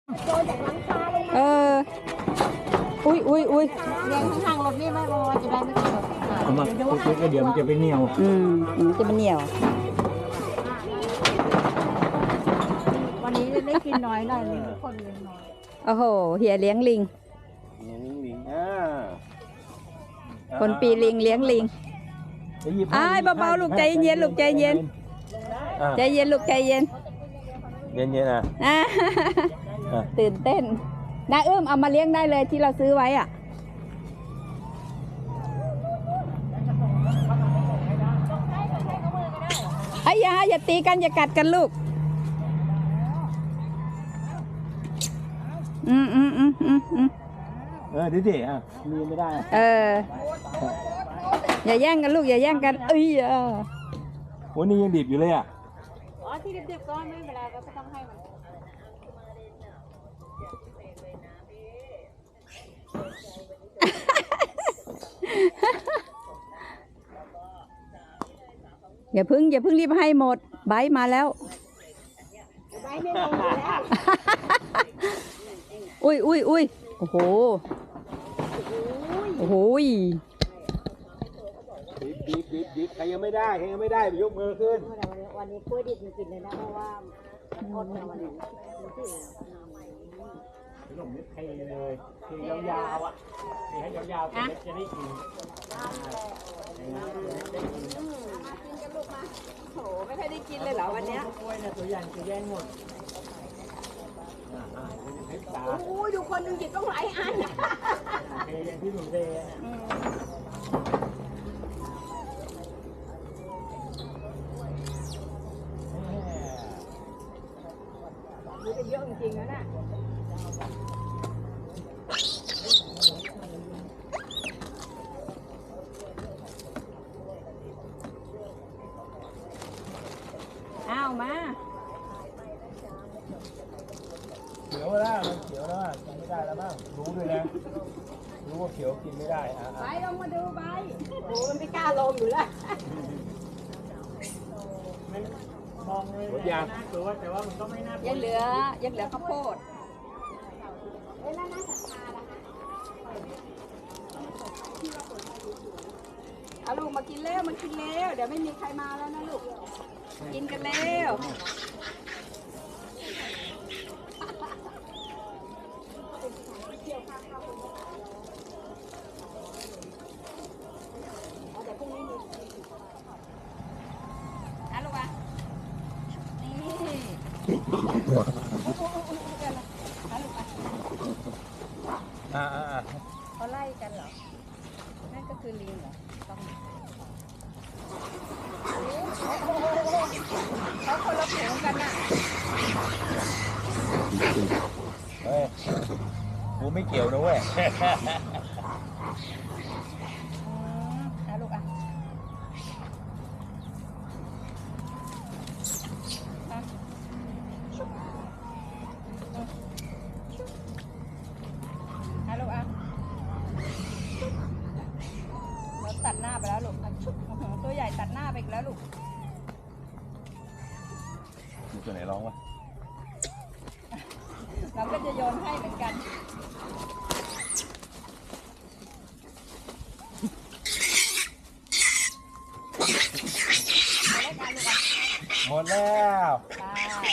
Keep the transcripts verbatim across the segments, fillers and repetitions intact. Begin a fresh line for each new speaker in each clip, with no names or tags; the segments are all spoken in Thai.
โดนจากหลังคาลงมา
เอออุ้ยอุ้ยอุ้ย
เลี้ยงข้างๆรถนี่ไม่พอจะได้ไม่ต้องแบบ
เอามาคุยๆก็เดี๋ยวมันจะไปเหนียว
อืมอืมจะเป็นเหนียว
วันนี้ได้กินน้อยหน่อยทุกคนเลี้ยงน้อย
โอ้โหเฮียเลี้ยงลิง
ลิงลิงอ่า
คนปีลิงเลี้ยงลิง อ้ายเบาๆลูกใจเย็นลูกใจเย็น ใจเย็นลูกใจเย็น
เย็นเย็นๆอ่ะ
อ่า
อ่ะ
ตื่นเต้นนาเอื้มเอามาเลี้ยงได้เลยที่เราซื้อไว้อ่ะไอ้ยาอย่าตีกันอย่ากัดกันลูกอืมอืมอืมอืมอืม
เออดิดิอ่ะมีไม่ได้อ่ะ
เอออย่าแย่งกันลูกอย่าแย่งกันเอ้ยอ่ะ
โอ้นี่ยังดิบอยู่เลยอ่ะ
อ๋อที่เด็กๆก็ไม่เป็นไรก็ต้องให้มัน
อย่าพึ่งอย่าพึ่งรีบให้หมดไบร์ทมาแล้ว
ไว้ไม่ลงอยู่แล้ว
อุ้ยอุ้ยอุ้ยโอ้โหโอ้โห
ดิบดิบดิบดิบใครยังไม่ได้ใครยังไม่ได้ยกมือขึ้น
วันนี้กล้วยดิบมันกินเลยนะเพราะว่าอดมาวันนี้
ขนมนี่เทเลยเทยาวๆอ่ะเทให้ยาวๆจะได้กิน
โหไม่ค่อยได้กินเลยเหรอวันเนี้ย
กล้วยเนี่ยตัวใหญ่จะแย่งหมดอ่าๆเทตา
โอ้ยดูคนหนึ่งหยิบต้องหลายอัน
เทอย่างที่หนูเทอ่ะ
นี่เป็นเยอะจริงๆนะน่ะ
อ้าวมา
เขียวแล้วมันเขียวแล้วกินไม่ได้แล้วบ้างรู้ด้วยนะรู้ว่าเขียวกินไม่ได้อ่ะ
ไปลงมาดูไปโอ้มันไม่กล้าลงอยู่แล้ว
มองเลยหมดยางตัวแต่ว่ามันก็ไม่น่า
ยังเหลือยังเหลือข้าวโพด
เอ้ยแล้วน่าศรัทธาล่ะคะ
เอาลูกมากินเร็วมากินเร็วเดี๋ยวไม่มีใครมาแล้วนะลูกกินกันเร็ว อ่ะลูกอ่ะนี่อ่ะลูกอ่ะ
อ่าอ่า
เขาไล่กันเหรอ นั่นก็คือลิงเหรอต้องเขาคนละผูงกันน่ะ
เฮ้ยกูไม่เกี่ยวนะเว้ย
อืมอ่ะลูกอ่ะอ่ะอ่ะลูกอ่ะเราตัดหน้าไปแล้วลูกอ่ะชุบอื้อหือตัวใหญ่ตัดหน้าไปอีกแล้วลูก
มีตัวไหนร้องวะ
เราก็จะโยนให้เหมือนกัน
หมดแล้ว
ไป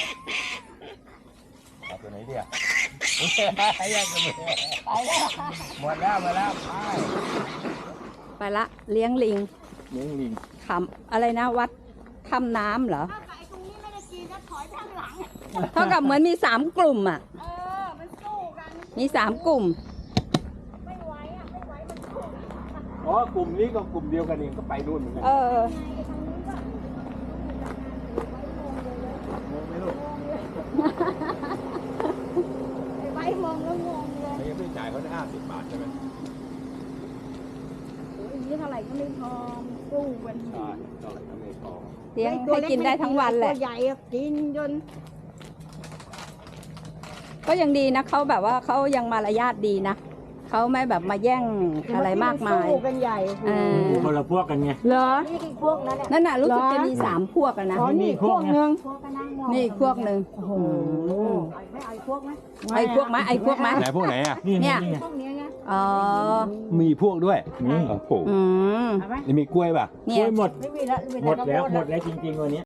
เอาตัวไหนดีอ่ะให้ยังกันเลย
ไปแล้ว
หมดแล้วหมดแล้วไป
ไปละเลี้ยงลิง
เลี้ยงลิง
คำอะไรนะวัดคำน้ำเหรอ
ถ้าไอ้ตรงนี้ไม่ได้กินก็ถอยไปข้างหลัง
เท่ากับเหมือนมีสามกลุ่มอ่ะ
เออ มันสู้กัน
มีสามกลุ่ม
ไม่ไหวอ่ะ ไม่ไหว มันสู้กัน
อ๋อกลุ่มนี้กับกลุ่มเดียวกันเองก็ไปนู่นเหมือนกัน
เออ
งงไหมลูก
ไอ้ไว้มองแล้วงงเลย
เขายังไม่จ่ายเขาได้ห้าสิบบาทใช่ไหม
โอ้ยนี่เท่าไหร่ก็ไม่พอสู้กัน
ใช่เท่าไหร่ก็ไม่พอ
เลี้ยงให้กินได้ทั้งวันแหละ
ตัวใหญ่อะกินจน
ก็ยังดีนะเขาแบบว่าเขายังมารยาทดีนะเขาไม่แบบมาแย่งอะไรมากมาย
สู้กันใหญ่
เออ
คนละพวกกันไง
เหรอ
นี่คือพวกนั้นแหละ
นั่นน่ะรู้สึกจะมีสามพวกอะนะ
อ๋อนี่
นี่
พ
พ
ว
ว
ก
ก
ห
ไง
นึ่งพวกก็นั่งมอง
นี่อีกพวกหนึ่ง
โอ้โหไม่ไอ้พวกไหม
ไอ้พวกไหมไอ้พวกไหม
ไหนพวกไหนอ่ะ
เนี่ย
พวกเนี้ยไง
อ๋อ
มีพวกด้วยโอ้โห
อืม
เอาไหม
นี่มีกล้วยป่ะ
เนี่
กล้
ย
วยหมด
ไม่มีแล้วมี
หม
แต่
ด
ข้าวโพ
แล้ว
ด
หมดแล้วจริงๆวันนี้